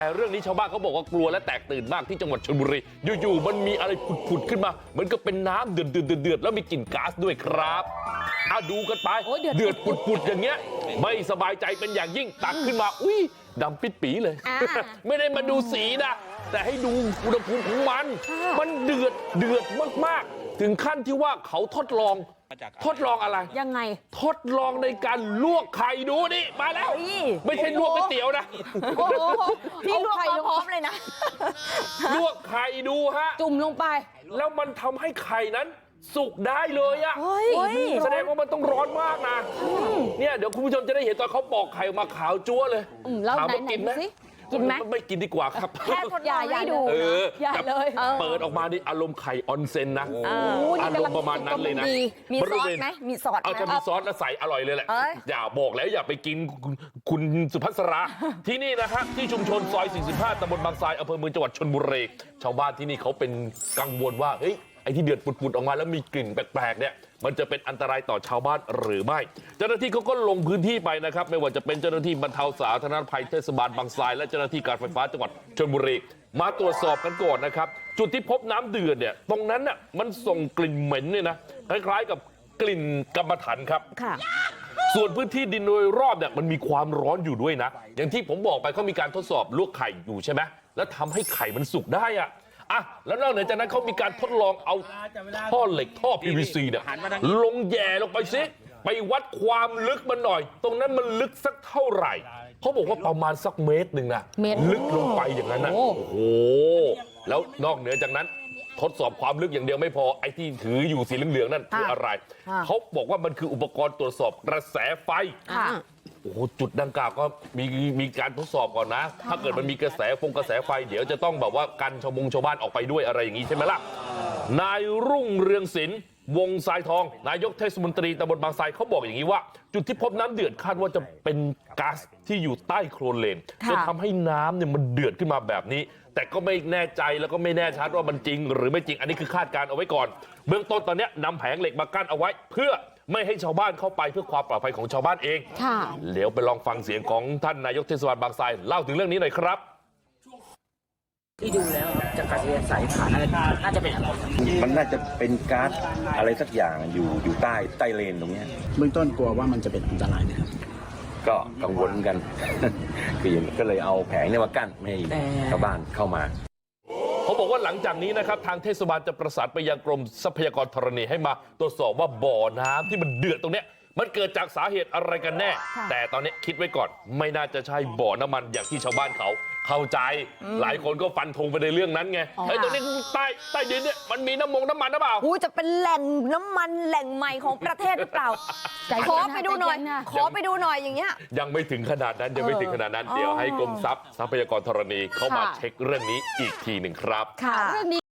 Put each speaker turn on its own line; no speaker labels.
แต่เรื่องนี้ชาวบ้านเขาบอกว่ากลัวและแตกตื่นมากที่จังหวัดชลบุรีอยู่ๆมันมีอะไรผุดขึ้นมาเหมือนกับเป็นน้ำเดือดแล้วมีกลิ่นก๊าซด้วยครับดูกันไปเดือดปุดอย่างเงี้ยไม่สบายใจเป็นอย่างยิ่งตักขึ้นมาอุ้ยดำปิดปีเลยไม่ได้มาดูสีนะแต่ให้ดูอุณหภูมิของมันเดือดมากๆถึงขั้นที่ว่าเขาทดลองอะไร
ยังไง
ทดลองในการลวกไข่ดูนี่มาแล้วไม่ใช่ลวกก๋วยเตี๋ยวนะ
พี่ลวกไข่พร้อมเลยนะ
ลวกไข่ดูฮะ
จุ่มลงไป
แล้วมันทำให้ไข่นั้นสุกได้เลยอะแสดงว่ามันต้องร้อนมากนะเนี่ยเดี๋ยวคุณผู้ชมจะได้เห็นตอนเขาปอกไข่มาขาวจั๊วเลย
ถามว่า
กินไหมไม่กินดีกว่าครับ
แค่ทดลองให้ดูอย่าเลย
เปิดออกมานี่อารมณ์ไข่ออนเซ็นนะอารมณ์ประมาณนั้นเลยนะ
มีซอสไหมมีซอส
ถ้ามีซอสแล้วใส่อร่อยเลยแหละอย่าบอกแล้วอย่าไปกินคุณสุภัสราที่นี่นะฮะที่ชุมชนซอย45ตำบลบางทรายอำเภอเมืองจังหวัดชลบุรีชาวบ้านที่นี่เขาเป็นกังวลว่าเฮ้ยไอ้ที่เดือดปุดๆออกมาแล้วมีกลิ่นแปลกๆเนี่ยมันจะเป็นอันตรายต่อชาวบ้านหรือไม่เจ้าหน้าที่เขาก็ลงพื้นที่ไปนะครับไม่ว่าจะเป็นเจ้าหน้าที่บรรเทาสาธารณภัยเทศบาลบางทรายและเจ้าหน้าที่การไฟฟ้าจังหวัดชลบุรีมาตรวจสอบกันก่อนนะครับจุดที่พบน้ำเดือดเนี่ยตรงนั้นน่ะมันส่งกลิ่นเหม็นเนี่ยนะคล้ายๆกับกลิ่นกรรมฐานครับส่วนพื้นที่ดินโดยรอบเนี่ยมันมีความร้อนอยู่ด้วยนะอย่างที่ผมบอกไปเขามีการทดสอบลวกไข่อยู่ใช่ไหมแล้วทำให้ไข่มันสุกได้อะแล้วนอกจากนั้นเขามีการทดลองเอาท่อเหล็กท่อ PVC เนี่ยลงแย่ลงไปซิไปวัดความลึกมันหน่อยตรงนั้นมันลึกสักเท่าไหร่เขาบอกว่าประมาณสักเมตรหนึ่งนะลึกลงไปอย่างนั้นนะโอ้โหแล้วนอกเหนือจากนั้นทดสอบความลึกอย่างเดียวไม่พอไอ้ที่ถืออยู่สีเหลืองๆนั่นคืออะไรเขาบอกว่ามันคืออุปกรณ์ตรวจสอบกระแสไฟโอ้โหจุดดังกล่าวก็มีการทดสอบก่อนนะถ้าเกิดมันมีกระแสไฟเดี๋ยวจะต้องแบบว่ากันชาวบ้านออกไปด้วยอะไรอย่างนี้ใช่ไหมล่ะนายรุ่งเรืองศิลป์วงทรายทองนายกเทศมนตรีตำบลบางทรายเขาบอกอย่างนี้ว่าจุดที่พบน้ำเดือดคาดว่าจะเป็นก๊าซที่อยู่ใต้โคลนเลนจนทำให้น้ำเนี่ยมันเดือดขึ้นมาแบบนี้แต่ก็ไม่แน่ใจแล้วก็ไม่แน่ชัดว่ามันจริงหรือไม่จริงอันนี้คือคาดการเอาไว้ก่อนเบื้องต้นตอนนี้นำแผงเหล็กมากั้นเอาไว้เพื่อไม่ให้ชาวบ้านเข้าไปเพื่อความปลอดภัยของชาวบ้านเองเดี๋ยวไปลองฟังเสียงของท่านนายกเทศบาลบางทรายเล่าถึงเรื่องนี้หน่อยครับ
ที่ดูแล้วจากการเรียนสายผ่านน่าจะเป็นอะไร
มันน่าจะเป็นก๊าซอะไรสักอย่างอยู่ใต้เลนตรงนี้
เบื้องต้นกลัวว่ามันจะเป็นอันตรายนะครับ
ก็กังวลกัน ก็เลยเอาแผงเนี่ยมากั้นไม่ให้ชาวบ้านเข้ามา
เขาบอกว่าหลังจากนี้นะครับทางเทศบาลจะประสานไปยังกรมทรัพยากรธรณีให้มาตรวจสอบว่าบ่อน้ำที่มันเดือดตรงเนี้ยมันเกิดจากสาเหตุอะไรกันแน่แต่ตอนนี้คิดไว้ก่อนไม่น่าจะใช่บ่อน้ำมันอย่างที่ชาวบ้านเขาเข้าใจหลายคนก็ฟันธงไปในเรื่องนั้นไงตรงนี้ใต้ดินเนี่ยมันมีน้ำมันหรือเปล่า
จะเป็นแหล่งน้ำมันแหล่งใหม่ของประเทศหรือเปล่าขอไปดูหน่อยอย่างเงี้ย
ยังไม่ถึงขนาดนั้นเดี๋ยวให้กรมทรัพยากรธรณีเข้ามาเช็คเรื่องนี้อีกทีหนึ่งครับ
เรื่องนี้